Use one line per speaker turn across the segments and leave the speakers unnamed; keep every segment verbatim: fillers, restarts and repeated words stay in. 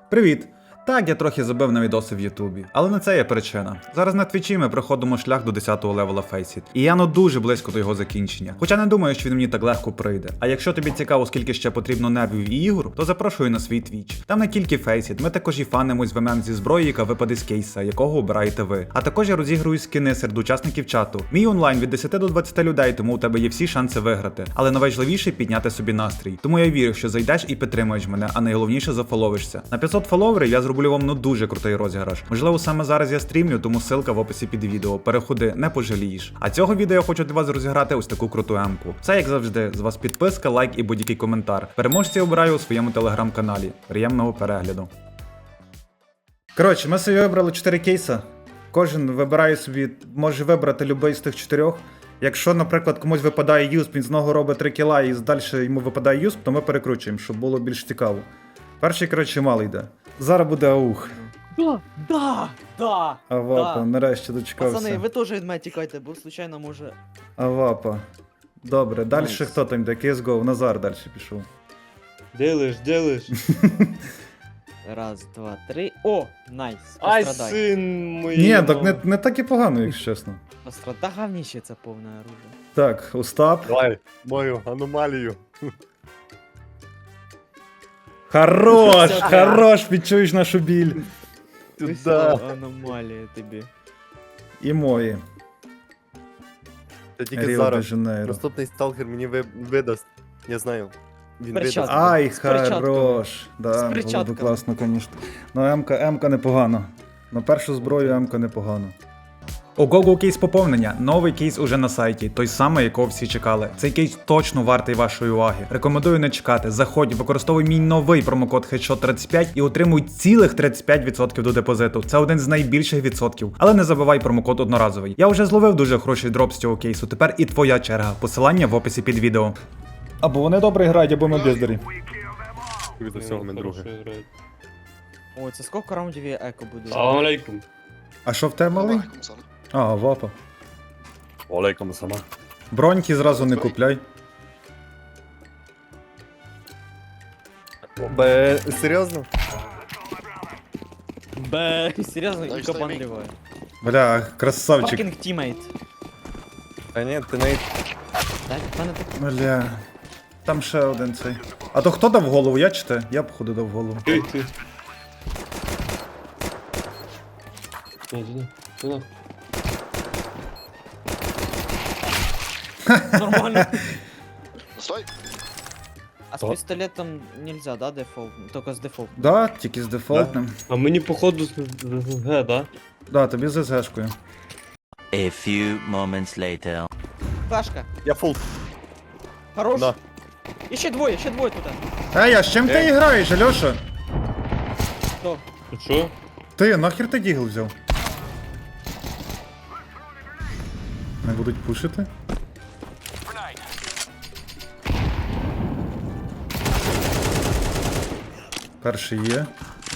Привіт! Так, я трохи забив на відоси в Ютубі, але не це є причина. Зараз на твічі ми проходимо шлях до десятого левела Faceit, і я ну дуже близько до його закінчення. Хоча не думаю, що він мені так легко прийде. А якщо тобі цікаво, скільки ще потрібно нервів і ігор, то запрошую на свій твіч. Там не тільки Faceit, ми також і фанимось в ем зі зброї, яка випаде з кейса, якого обираєте ви. А також я розігрую скини серед учасників чату. Мій онлайн від десяти до двадцяти людей, тому у тебе є всі шанси виграти. Але найважливіше підняти собі настрій. Тому я вірю, що зайдеш і підтримуєш мене, а найголовніше зафоловишся. На п'ятсот фоловерів я зроблю вам ну дуже крутий розіграш. Можливо, саме зараз я стрімлю, тому ссылка в описі під відео. Переходи, не пожалієш. А цього відео я хочу для вас розіграти ось таку круту емку. Це як завжди, з вас підписка, лайк і будь-який коментар. Переможця обираю у своєму телеграм-каналі. Приємного перегляду. Коротше, ми собі вибрали чотири кейса. Кожен вибирає собі, може вибрати будь-який з тих чотирьох. Якщо, наприклад, комусь випадає юсп, він з нього робить три кіла і далі йому випадає юсп, то ми перекручуємо, щоб було більш цікаво. Перший, коротше, малий йде. Зараз буде аух.
Да, да, да.
Авапа,
да.
нарешті дочекався.
Пацани, ви теж від мене тікайте, бо случайно може.
Авапа. Добре, далі
Найс.
хто там йде? кей ес гоу, Назар далі пішов.
Делаешь, делаешь.
Раз, два, три. О, найс.
Ай,
Пострадай.
сын мой.
Ні, так не, не так і погано, якщо чесно.
Пострада говніще це повне оружие.
Так, Остап.
Давай, мою аномалію.
Хорош,
Все,
хорош, відчуєш нашу біль.
Туда.
Аномалія тобі.
І мої.
Та тільки
Ріо де
зараз.
Жанейро.
Наступний сталкер мені ви... видасть. Я знаю. Він
Перчатки.
видасть.
Ай,
З перчатками.
хорош.
З
Да, було
перчатками.
б класно, звісно. Ну, М-ка, М-ка непогано. На першу зброю М-ка непогано. У Google кейс поповнення. Новий кейс уже на сайті, той самий, якого всі чекали. Цей кейс точно вартий вашої уваги. Рекомендую не чекати. Заходь, використовуй мій новий промокод хедшот тридцять п'ять і отримуй цілих тридцять п'ять відсотків до депозиту. Це один з найбільших відсотків. Але не забувай промокод одноразовий. Я вже зловив дуже хороший дроп з цього кейсу. Тепер і твоя черга. Посилання в описі під відео. Або вони добре грають, або ми бездарі.
Від усього ми друге.
О, це скільки раундів є еко буде?
Салам алейкум.
А що в тебе малий? А, вапа.
Олейком сама.
Броньки зразу не купляй.
Бе, серйозно?
Бе, серйозно,
Дай
і капан
штамі.
ліває.
Бля, красавчик.
Fucking teammate.
Та ні, ти навіть...
Так, в мене так.
Бля. Там ще один цей. А то хто дав голову? Я чи ти? Я походу дав голову.
Ты, ты. Не, иди, сюда.
Нормально.
Стой!
А з
О.
пістолетом нельзя, да, дефолт? Тільки з дефолт.
Да, тільки з дефолтним.
А мені походу з Г, да?
Да, тобі з ес-гешкою.
A few moments later.
Флешка.
Я фул.
Хорош.
Да.
І ще двоє, ще двоє тут.
Ей, а з чим ти
Ей.
граєш, Альоша?
Хто?
Ти що?
Ти, нахер ти дігл взяв? Не будуть пушити? Перший є.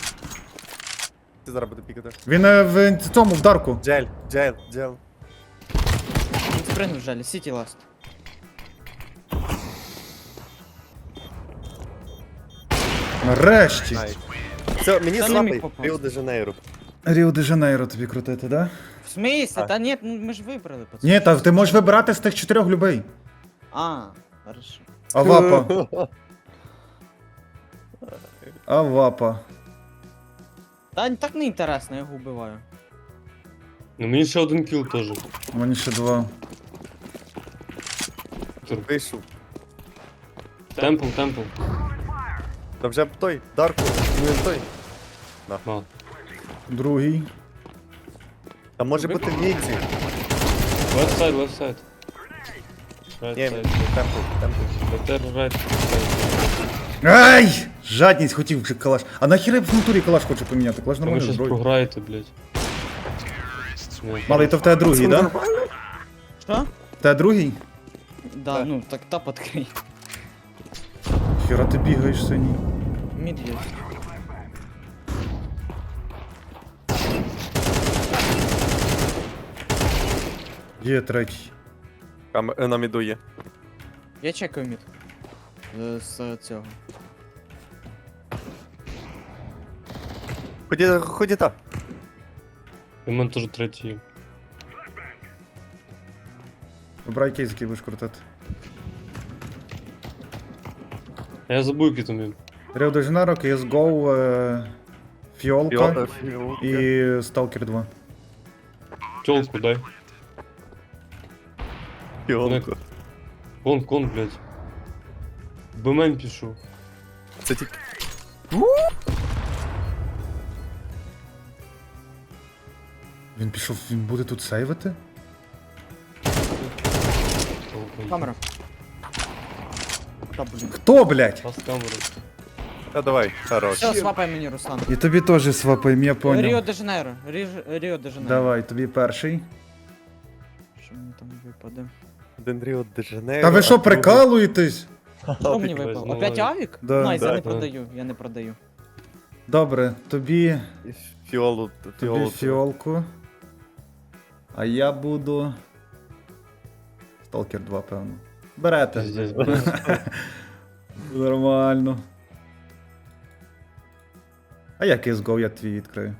Ти зараз буде пікати.
Він е, в цьому, в дарку.
Джель, джель, джель.
Він спригнув жалі, Сіті ласт.
Нарешті.
Ай. Все, мені
Та не
слабий.
міг попасти.
Ріо де Жанейро.
Ріо де Жанейро тобі крутити, да?
В смысле?
Так.
Та ні, ну ми ж вибрали, пацан.
Ні, та ти можеш вибирати з тих чотирьох любий.
А, хорошо.
Авапа. Авапа.
Та так не інтересно, я його вбиваю.
Ну мені ще один кіл теж.
Мені ще два.
Вийшов.
Темпл, темпл.
Та вже б той, Дарку, ну він той.
А.
Другий.
Та може бути в Ніці.
Left side, left side. Right
Ні,
side.
темпл, темпл.
Better right side.
Ай! Жадність хотів вже калаш. А нахіра я в натурі калаш хочу поміняти? Калаш
А ви
нормально
щас
зброю.
програєте, блядь. Ні,
Малий, то в тебе другий, да?
Що?
В тебе другий?
Да,
Так.
ну так тап відкрий.
Хіра ти бігаєш синій.
Мід є.
Є третій.
Там е, на міду є.
Я чекаю мід. Е, З цього.
Ході, ході та.
І в мене теж третій є.
Вибирай кейс, який будеш крутити.
А я забув, який там є.
Rio de Janeiro, сі ес го, е, Фіолка
Фіолка, фіолка.
і Stalker два.
Тёлку дай.
Фіолка.
Кон, кон, блядь. Бмен пишу.
Це тільки...
Він пішов, він буде тут сейвити?
Камера. Та, блін.
Хто, блядь?
Раз камеру.
Та давай, хорош.
Все, свапай мені, Руслан.
І тобі теж свапаємо, я поняв.
Ріо де Жанейро. Ріж- Ріо де Жанейро.
Давай, тобі перший.
Що мені там випаде?
Один Ріо де Жанейро.
Та ви
а
що,
другий-
прикалуєтесь?
Що мені
Давай,
випало?
знову.
Опять авік?
Да.
Найс, я
Да.
не продаю, я не продаю.
Добре, тобі,
Фіолу,
тобі
фіолу.
фіолку. А я буду... Stalker два, певно. Берете.
Пиздец, блядь.
Нормально. А як сі ес го, я твій відкрию.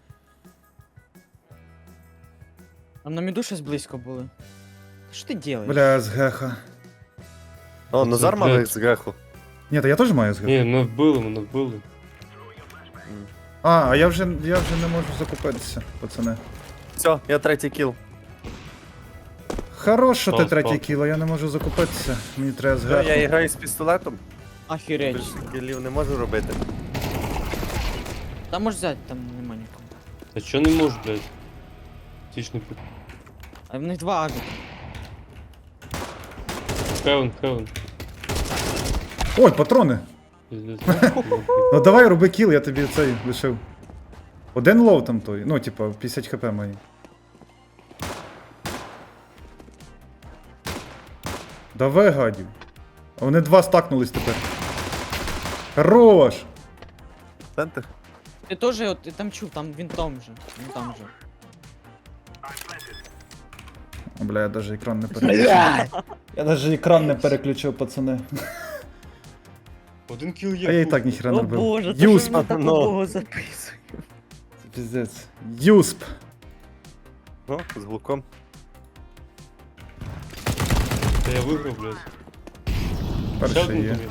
А на міду щось близько були. Що ти робиш?
Бля, з геха.
О, Назар мав
Блядь.
з греху.
Ні, та я теж маю з геха.
Ні, мене вбили, мене вбили.
А, а я вже, я вже не можу закупитися, пацани.
Все, я третій кіл.
Хорош, що ти
Спав,
третє
спав.
кіло, я не можу закупитися. Мені треба з
Все, я
геху.
граю з пістолетом.
Ахіреть.
Більше кілів не можу робити.
Та можеш взяти, там нема нікого.
Та чо не можу, блядь? Тічний путь.
А в них два авіка.
Хевен, хевен.
Ой, патрони!
Пиздец.
Ну давай роби кіл, я тобі цей лишив. Один лоу там той, ну типа п'ятдесят хп мої. Давай, гадів. А вони два стакнулись тепер. Хорош!
Центр.
Ти теж, от, ти там чув, там він там же. Він там же.
О, бля, я даже екран не переключив. Я даже екран не переключив, пацани.
Один кіл є.
А я і
хуй.
так ніхера не
О
робив.
боже,
Юсп!
так
Ну.
довго записую.
Піздець. Юсп!
Ну, з глуком.
Та я виграв, блядь. Ще
Перший
один
є.
там є.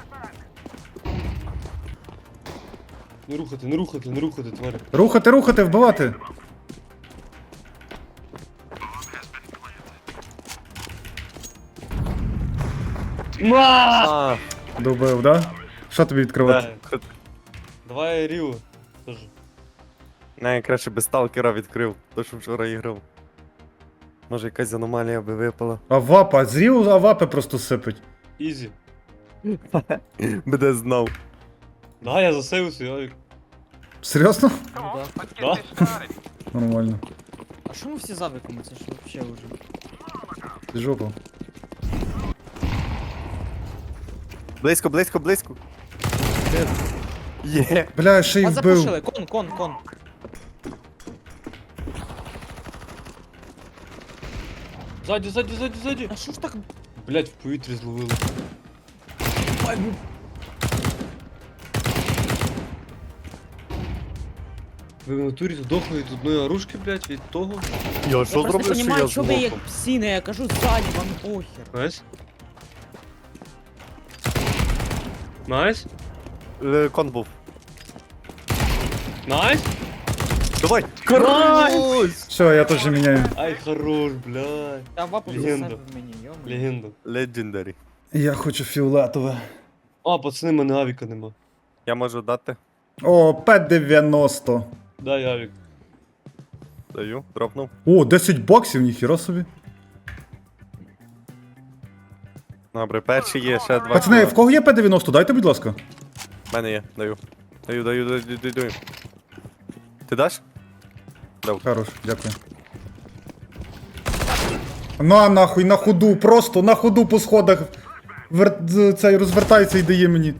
Не рухати, не рухати, не рухати, тварі.
Рухати, рухати, вбивати!
А,
Добив, да? Що тобі відкривати?
Да. Давай Ріо. Теж.
не, я краще без сталкера відкрив, то що вчора іграв. Може якась аномалія би випала.
А вапа, зрів, а вапи просто сипить.
Ізі.
Буде знав.
Да, я засейвився, я...
Серйозно?
Ну, да.
Да?
Нормально.
А що ми всі з авіками? Це ж вообще уже.
Ти жопу.
Близько, близько, близько. Є.
Бля, ще й
Вас
вбив.
запушили, кон, кон, кон.
Ззаді, ззаді, ззаді, ззаді.
А що ж так?
Блять, в повітрі зловили. Ви в натурі здохли від одної оружки, блять, від того.
Я
Я
що
просто не
зроблю, що я
розумію, що ви як
злоком?
псини, я кажу ззаді, вам похер.
Найс. Найс.
Е, Кон був.
Найс.
Давай! Карась!
Все, я теж міняю.
Ай, хорош, блядь.
Та вапу
Легенда.
засепив мені, йома.
Легенда.
Legendary.
Я хочу фіолетове.
А, пацани, мене авіка нема.
Я можу дати.
О, П дев'яносто.
Дай авік.
Даю, дропнув.
О, десять баксів, ніхіра собі.
Добре, перший є, ще два.
Пацани,
кіла.
в кого є П дев'яносто? Дайте, будь ласка.
В мене є, даю. Даю, даю, даю, даю, даю. Ти даш? Дав.
Хорош, дякую. На нахуй, на ходу, просто на ходу по сходах. Вер... з- Цей розвертається і дає мені.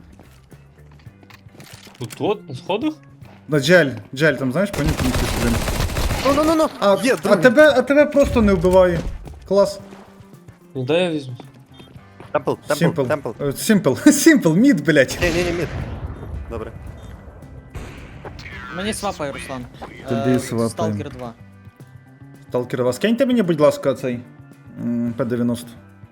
Тут от, на сходах?
На джель, джель, там знаєш, понюхай мені сюди.
Ну, ну, ну, ну.
А,
Є,
а,
другий.
тебе, а тебе просто не вбиває. Клас.
Ну дай я візьму.
Темпл, темпл,
Сімпл.
темпл.
Сімпл. Сімпл, мід, блять.
Ні, ні, ні, мід. Добре.
Мені свапай, Руслан.
Тобі
Е,
свапай.
Сталкер два.
Сталкерова, скиньте мені, будь ласка, цей м, П дев'яносто.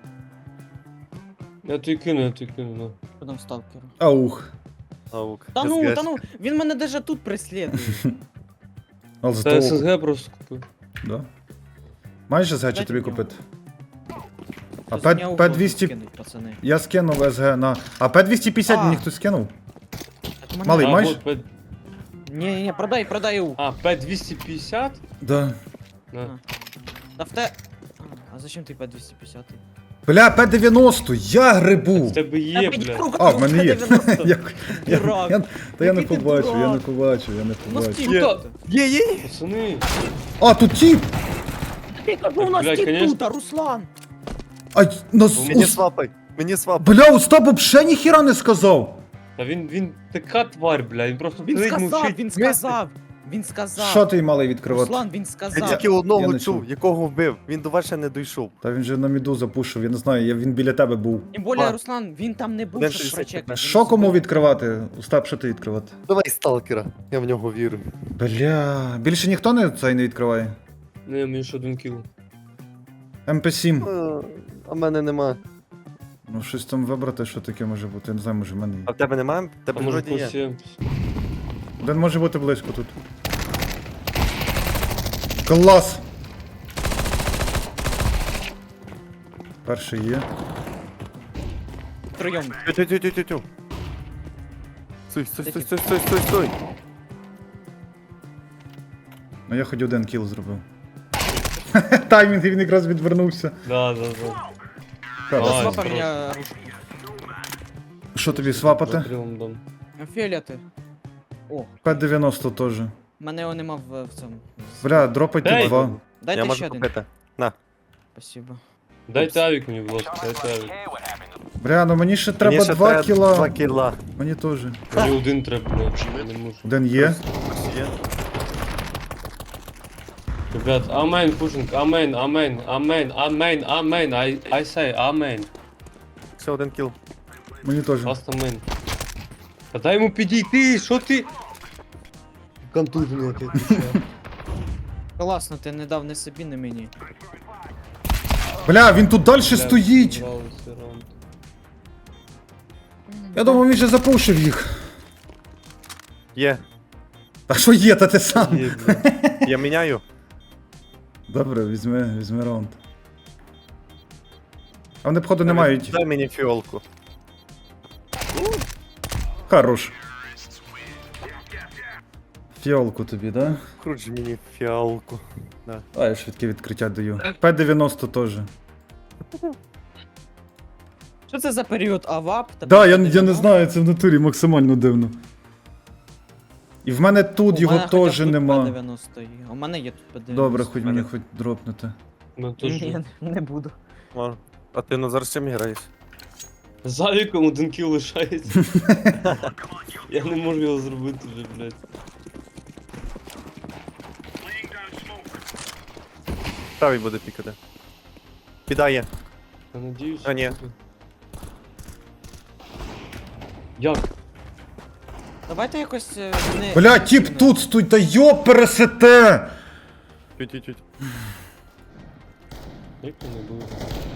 Я тобі кину, я тобі кину, на.
Що там сталкер?
Аух.
Наук.
Та ну,
ес ге.
та ну, він мене даже тут преслідує.
Але
Та
зато...
ес ес ге просто купив.
Да. Маєш ес ге чи
Дайте
тобі
мені.
купити? А
Хтось
П-
мені
П
угоду
двісті
скинуть, пацани.
Я скинув ес ге на... А П двісті п'ятдесят
А.
мені хтось скинув?
Так мене-
Малий,
А,
маєш?
вот, П...
Ні, ні, ні, продай, продай у.
А, П двісті п'ятдесят?
Да.
На.
Та в те... А, а зачем ти П двісті п'ятдесят?
Бля, П дев'яносто, я
В
грибу.
тебе є, блядь.
А, в мене є. Як- я-
Дурак.
я- Та я не
Який ти
побачив, я не
дурак.
побачив, я не
У нас
побачив.
тіп
Є.
тут.
Є, є!
Пацани.
А, тут тіп!
Ти кажу, у нас
Блядь,
тіп
конечно.
тут, а Руслан.
А, нас...
Мені свапай, мені свапай.
Бля, Остап вообще ніхіра не сказав.
Та він, він така тварь, бля, він просто
Він
сидить,
сказав,
мовчить.
він сказав. Він сказав.
Що ти малий відкривати?
Руслан, він
Я
сказав.
тільки
я
одного
не
чув,
чув.
якого вбив. Він до вас ще не дійшов.
Та він же на міду запушив, я не знаю, я, він біля тебе був.
Тим більше,
А.
Руслан, він там не був,
Один
щоб
шістдесят
прочекати.
п'ять.
Що кому відкривати? Остап, що ти відкривати?
Давай сталкера, я в нього вірю.
Бля, більше ніхто не цей не відкриває.
Не, мені ще один кіл.
Ем Пі сім.
Е, А в мене нема.
Ну щось там вибрати, що таке може бути. Я не знаю, може в мене є.
А в тебе немає? В
А
тебе
може
вроді є.
когось є?
Один може бути близько тут. Клас! Перший є.
Втроєм.
Тю-тю-тю-тю-тю. Стой, стой, стой, стой, стой, стой, стой.
Ну я хоч один кіл зробив. Таймінг, він якраз відвернувся.
Да, да, да.
Хорош.
Ай,
Свапай
хорош.
мені ручку.
Що тобі свапати?
Закрилом дам.
Фіолети. О,
П дев'яносто теж.
мене його нема в, в цьому.
Бля, дропайте
Дай.
два.
Дайте
Я
ще
можу
один.
купити. На.
Спасибо.
Дайте авік мені, будь ласка, дайте авік.
Бля, ну мені ще треба
Мені ще
два
треба
кіла.
Два кіла.
Мені теж.
Мені один треба, блядь, я не можу.
Один є.
Є.
Ребят, амен, пушинг, амен, амен, амен, амен, амен, I, I say амен.
Ще один кіл.
Мені теж.
Просто амен. Та дай йому підійти, що ти? Контужений який ти ще.
Класно, ти не дав не собі, не мені.
Бля, він тут далі
Бля,
стоїть.
здавалося раунд.
Я думав, він же запушив їх.
Є.
А що є, та ти сам?
Є, блядь.
Я міняю.
Добре, візьми, візьми раунд. А вони, походу, не мають.
Дай мені фіолку.
Хорош. Фіолку тобі, да?
Круч мені фіалку.
А, я швидке відкриття даю. П дев'яносто теж.
Що це за період АВАП? та
Да, я, я не
дев'яносто?
знаю, це в натурі максимально дивно. І в мене тут
У
його
мене хоча б
теж
тут
нема.
П дев'яносто є. У мене є тут П дев'яносто.
Добре, хоч мені хоч дропнути.
Ну, то ж-
Ні, не буду.
О, А ти Назар з чим граєш?
З авіком один кіл лишається. Я не можу його зробити вже, блядь.
Правий буде пікати. Підає.
Я надіюсь.
А, ні.
Як?
Давайте якось е, не...
Бля, тіп тут стой, та йо пересете!
Тють-тють-тють.
Як це не буде?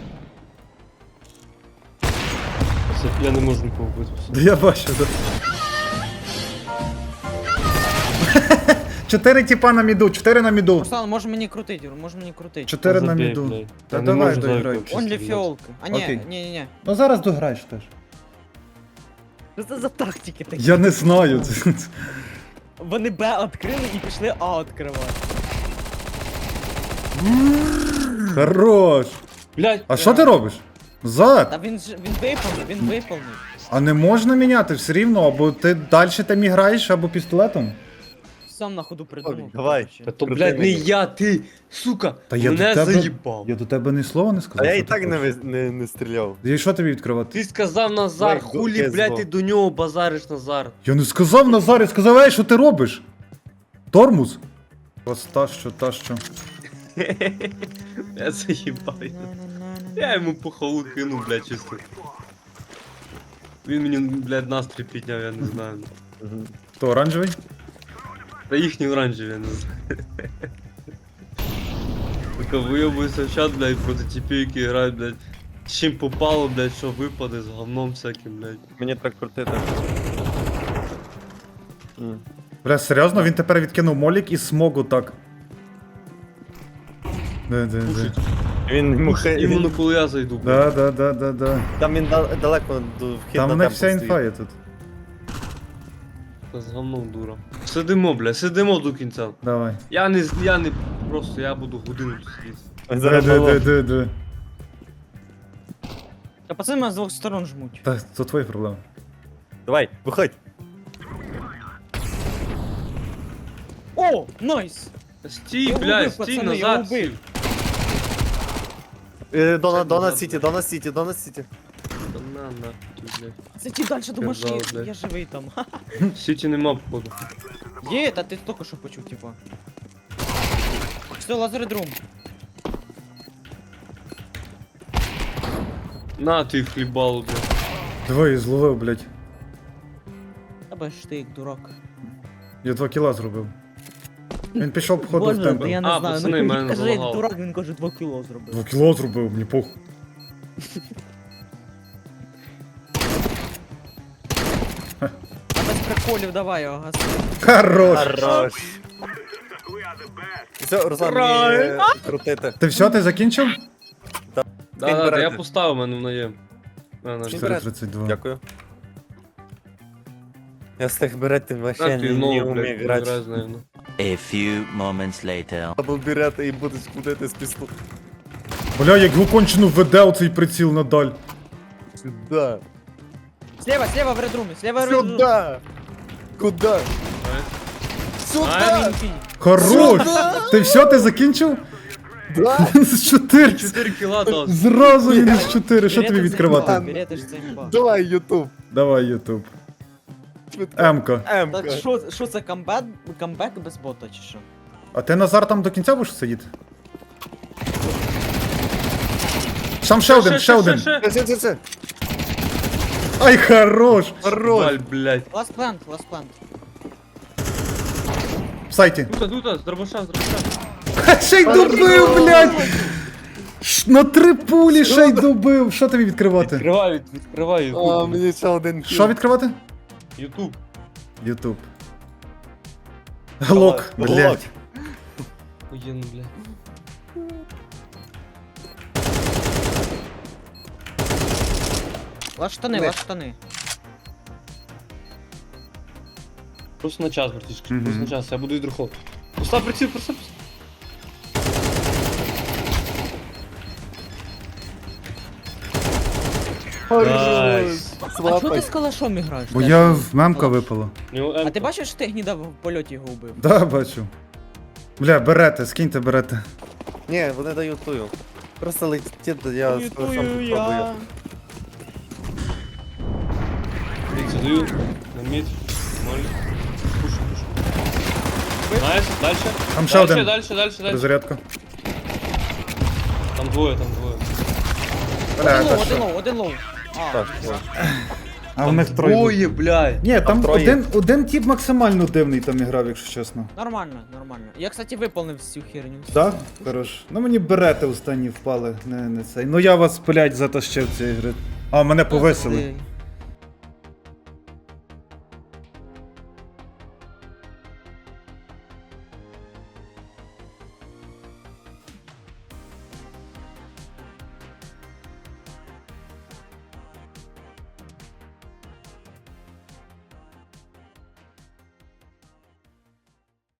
Це я не можу нікого вбити.
Да я бачу, да. Чотири тіпа на міду, чотири на міду.
Руслан, може мені крутить, Юр, може мені крутить.
Чотири на
Забей,
міду.
блядь.
Та
Я не
давай,
можу
доіграй.
зайку взагалі
Онлі
стріляти.
фіолка. А ні,
Окей.
ні, ні, ні.
Ну зараз дограєш теж.
Що це за тактики такі?
Я не знаю. Це- це-
Вони Б відкрили і пішли А відкривати.
Хорош.
Блядь.
А що ти робиш? Зад.
Та він ж він виповнив, він виповнив.
А не можна міняти все рівно, або ти далі там граєш, або пістолетом.
Сам на ходу придумав.
давай.
коротше.
Та то,
Крути
блядь, не
мені.
я, ти, сука,
Та я
мене
до тебе-
заїбав.
Я до тебе ні слова не сказав.
А я
що
і
ти
так не,
хочеш.
ви- не, не стріляв.
Я що тобі відкривати?
Ти сказав Назар,
Ой,
хулі,
ду-
блядь,
ес
ти
два.
до нього базариш, Назар.
Я не сказав Назар, я сказав, ей, що ти робиш? Тормоз? Ось та що, та що.
Я заїбав. Я йому по халу кину, блядь, чисто. Він мені, блядь, настрій підняв, я не знаю.
Хто, оранжевий?
Та їхні оранжеві, я не знаю. Така вийобується в чат, блядь, проти типів, які грають, блядь. З чим попало, блядь, що випаде, з говном всяким, блядь.
Мені так крутити. М.
Бля, серйозно, він тепер відкинув молік і смогу так. Да, да, да.
Пушить.
Він йому хе-
Іменно
він-
коли я зайду, блядь.
Да, да, да, да, да.
Там він да- далеко до вхід
Там
на
у них
темпу
вся
стоїть.
інфа є тут.
Та з говном дура. Сидимо, блядь, сидимо до кінця.
Давай.
Я не, з- я не, просто я буду годину тут сидіти.
Ой,
Ди,
зараз
ди,
балон.
ди, ди, ди.
Та пацани мене з двох сторон жмуть.
Та це твої проблеми.
Давай, виходь.
О, найс!
Стій,
Я
блядь,
убив,
стій
пацани, я
назад,
убив.
стій.
Е, Дона,
Це
Дона
назад,
Сіті,
блядь.
Дона Сіті, Дона Сіті.
Та на, на, тут, блядь.
Зайди далі до машини,
Казав, блядь.
я живий там.
Сіті нема, походу.
Є, та ти тільки що почув, типа. Все, лазеридрум.
На, ти хлібалу, блядь.
Двоє зловив, блядь.
Та ж ти як дурак.
Я два кіла зробив. Він пішов походу в
Боже,
темпо.
та я не
А,
знаю,
пацани,
ну
мене
він каже, як
залагало.
дурак, він каже, два кіло зробив.
Два кіла зробив, мені похуй.
А без приколів давай його гаси.
Хорош!
Хорош. Все, Руслан, мені е, крутити.
Ти все, ти закінчив?
Да, да, да,
берете.
я поставив мене на є. На, на,
Скинь
чотири
берете.
тридцять два.
Дякую. Я з тих беретів вообще
на,
не,
ти
не
нову,
вмію
блядь,
грати.
грай з нею, ну.
A few moments later.
Або берете і будеш кудити з пісту.
Бля, як його кончено веде оцей приціл надаль.
Сюда.
Слева, слева в редрумі, слева в редрумі.
Сюда. Куда?
Ай.
Сюда.
Хорош! Ти все, ти закінчив?
Да.
З чотири.
чотири кіла дав.
Зразу він з чотири. Що тобі відкривати?
Берете ж це імба.
Давай, Ютуб.
Давай, Ютуб.
Швидко.
Емка.
Емка.
Так що, що це камбек, камбек без бота чи що?
А ти, Назар, там до кінця будеш сидіти? Там ще один, ще один.
ще.
Це, це, це, це.
Ай, хорош!
Валь, блядь.
Ласт плант, ласт плант.
В сайті.
Тута, тута, з дробаша, з дробаша.
Ха, ще й добив, блядь! Ш- На три пулі ще й добив. Що тобі відкривати?
Відкривай, відкривай
А,
ютуб.
мені ще один кіл.
Що відкривати?
Ютуб.
Ютуб. Глок,
Глок.
блядь.
Охуєнно, блядь.
Ласт штани,
Не.
ласт штани.
Просто на час, братишка,
Мгм.
просто на час, я буду відрухов. Постав приціл, постав. Найс.
А чого ти
Свапай.
з калашом граєш?
Бо я в мемка випало.
У нього
А
М.
ти бачиш, що ти гніда в польоті його вбив?
Да, бачу. Бля, берете, скиньте, берете.
Ні, вони дають тую. Просто летіть, я з калашом попробую.
Дивіться, даю. На мід. Ноль. Пушу, пушу. Найс, дальше.
Там ще
Дальше,
один.
дальше, дальше, дальше.
Розрядка.
Там двоє, там двоє.
Бля,
Один
та
лоу, один
що?
лоу, один лоу. А,
Так, о.
А в них троє.
Двоє, блядь.
Ні, там
троє.
один, один тип максимально дивний там іграв, якщо чесно.
нормально, нормально. Я, кстати, виповнив всю херню.
Так? Хорош. Ну мені берети останні впали, не, не цей. Ну я вас, блядь, затащив цієї гри. А, мене повисили.
Пизди.